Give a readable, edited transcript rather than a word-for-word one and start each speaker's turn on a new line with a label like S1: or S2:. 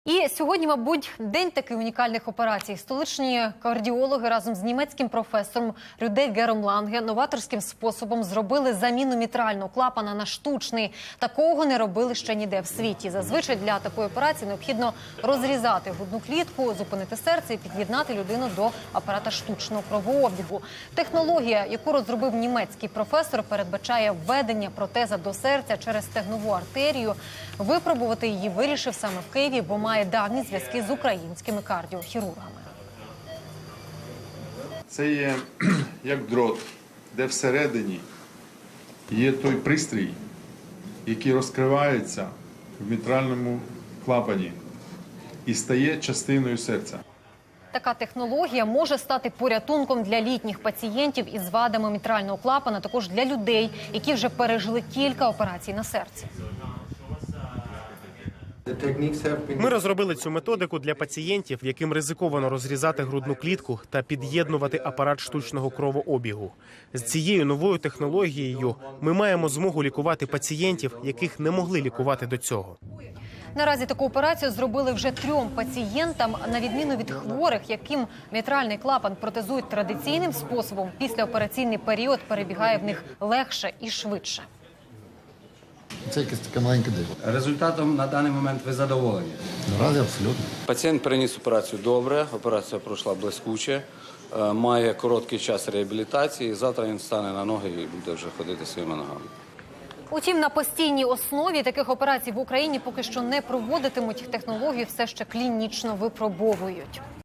S1: І сьогодні, мабуть, день таких унікальних операцій. Столичні кардіологи разом з німецьким професором Рюде Гером Ланге новаторським способом зробили заміну мітрального клапана на штучний. Такого не робили ще ніде в світі. Зазвичай для такої операції необхідно розрізати грудну клітку, зупинити серце і під'єднати людину до апарата штучного кровообігу. Технологія, яку розробив німецький професор, передбачає введення протеза до серця через стегнову артерію. Випробувати її вирішив саме в Києві, бо має давні зв'язки з українськими кардіохірургами.
S2: Це є як дрот, де всередині є той пристрій, який розкривається в мітральному клапані і стає частиною серця.
S1: Така технологія може стати порятунком для літніх пацієнтів із вадами мітрального клапана, також для людей, які вже пережили кілька операцій на серці.
S3: Ми розробили цю методику для пацієнтів, яким ризиковано розрізати грудну клітку та під'єднувати апарат штучного кровообігу. З цією новою технологією ми маємо змогу лікувати пацієнтів, яких не могли лікувати до цього.
S1: Наразі таку операцію зробили вже 3 пацієнтам, на відміну від хворих, яким мітральний клапан протезують традиційним способом. Післяопераційний період перебігає в них легше і швидше.
S4: Це якась така маленька диво.
S5: Результатом на даний момент ви задоволені?
S4: Наразі абсолютно.
S5: Пацієнт переніс операцію добре, операція пройшла блискуче, має короткий час реабілітації, завтра він стане на ноги і буде вже ходити своїми ногами.
S1: Утім, на постійній основі таких операцій в Україні поки що не проводитимуть. Технології все ще клінічно випробовують.